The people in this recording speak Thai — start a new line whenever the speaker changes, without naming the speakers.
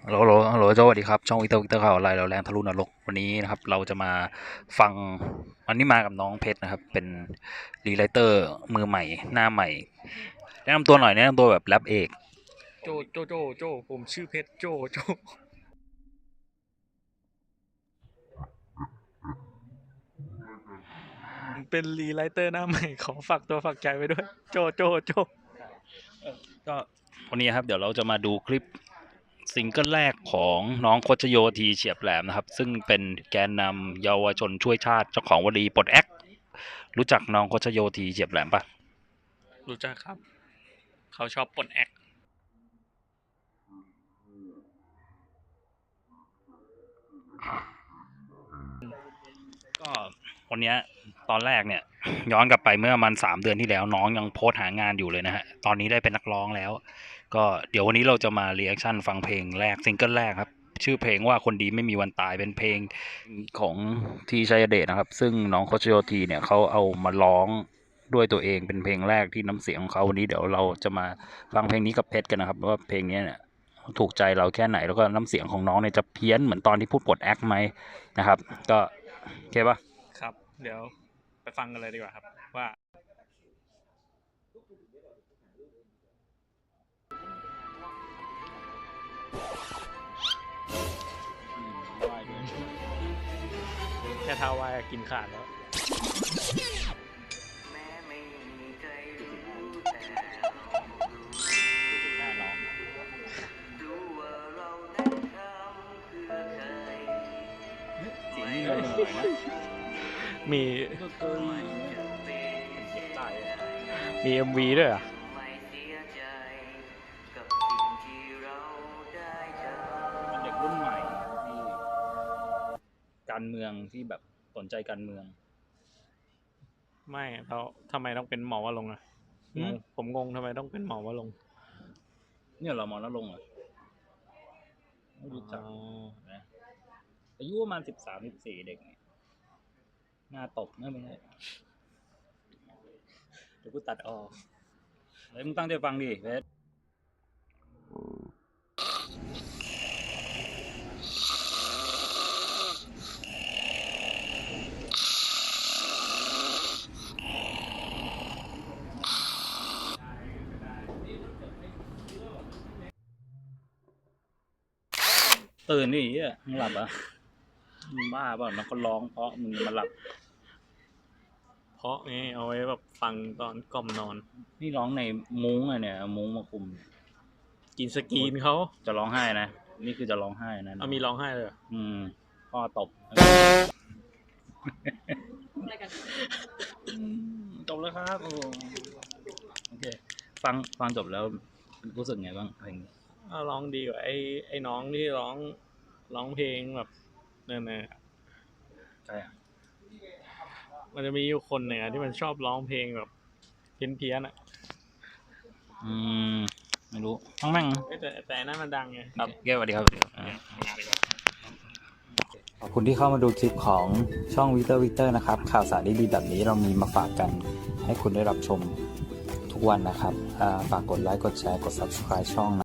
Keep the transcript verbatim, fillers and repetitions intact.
ฮัลโหลฮัลโหลฮัลโหลสวัสดีครับช่องวิกเตอร์วิกเตอร์ข่าวออนไลน์เราแรงทะลุนรกวันนี้นะครับเราจะมาฟังวันนี้มากับน้องเพชรนะครับเป็นรีไลเตอร์มือใหม่หน้าใหม่แนะนำตัวหน่อยแนะนำตัวแบบแรปเอก
โจโจโจโจผมชื่อเพชรโจโจผมเป็นรีไลเตอร์หน้าใหม่ขอฝากตัวฝากใจไว้ด้วยโจโจโจ
ก็วันนี้ครับเดี๋ยวเราจะมาดูคลิปซิงเกิลแรกของน้องโคชโยทีเฉียบแหลมนะครับซึ่งเป็นแกนนำเยาวชนช่วยชาติเจ้าของวลีปลดแอกรู้จักน้องโคชโยทีเฉียบแหลมปะ
รู้จักครับเขาชอบปลดแอก
ก็วันนี้ตอนแรกเนี่ยย้อนกลับไปเมื่อมันสามเดือนที่แล้วน้องยังโพสต์หางานอยู่เลยนะฮะตอนนี้ได้เป็นนักร้องแล้วก็เดี๋ยววันนี้เราจะมารีแอคชั่นฟังเพลงแรกซิงเกิลแรกครับชื่อเพลงว่าคนดีไม่มีวันตายเป็นเพลงของทีชัยเดชนะครับซึ่งน้องโคชโยทีเนี่ยเขาเอามาร้องด้วยตัวเองเป็นเพลงแรกที่น้ำเสียงของเขาวันนี้เดี๋ยวเราจะมาฟังเพลงนี้กับเพชรกันนะครับว่าเพลงนี้เนี่ยถูกใจเราแค่ไหนแล้วก็น้ำเสียงของน้องเนี่ยจะเพี้ยนเหมือนตอนที่พูดปลดแอคไหมนะครับก็โอเคปะ
ครับเดี๋ยวไปฟังกันเลยดีกว่าครับว่าแค่เท้าวายกินขาดแล้ว
หน้าน้องเสียงนี่เลยหน่อยนะ
มี
ก็เคยเจ็บใจอ่ะ
มีเอ็มวีด้วยอ่ะ
เป็นเด็กรุ่นใหม่ที่การเมืองที่แบบสนใจการเมือง
ไม่เราทำไมต้องเป็นหมอวะลงค์อ่ะงงผมงงทำไมต้องเป็นหมอวะลงค์
เนี่ยเรามองแล้วลงเหรอไม่รู้จักนะอายุประมาณสิบสามสิบสี่เด็กเนี่ยหน้าตกนะไม่ใช่เดี๋ยวกูตัดออกเฮ้ยมึงตั้งใจฟังดิเพชรตื่นดิเหี้ยมึงหลับอ่ะมึงบ้าเปล่านักก็ร้องเพราะมึงมาหลับ
เพราะนี่เอาไว้แบบฟังตอนกล่อมนอน
นี่ร้องในมุ้งอะเนี่ยเอามุ้งมาคุม
กินสกรีนเขา
จะร้องไห้นะนี่คือจะร้องไห้นะ
เอามีร้องไห้เลยเหรอ
อืมพ่อตบอืมจบแล้วครับโอ้โอเคฟังฟังจบแล้วรู้สึกไงบ้างเพลงนี้
เอาร้องดีกว่าไอ้ไอ้น้องที่ร้องร้องเพลงแบบเนี่ยเนี่ย
ใช่อ่ะ
มันจะมีอยู่คนหนึ่งอะที่มันชอบร้องเพลงแบบเพี้ยนเพี้ยนอ่ะ
อืมไม่รู้ทั้งแม่ง
เอ้ยแต่แต่อันนั้นมันดังไง
ครับแก้วสวัสดีครับสวัสดีครับอ่า
ทำงานดีกว่า
ขอบคุณที่เข้ามาดูคลิปของช่องวิเตอร์วิเตอร์นะครับข่าวสารดีๆแบบนี้เรามีมาฝากกันให้คุณได้รับชมทุกวันนะครับฝากกดไลค์กดแชร์กด ซับสไครบ์ ช่องนะ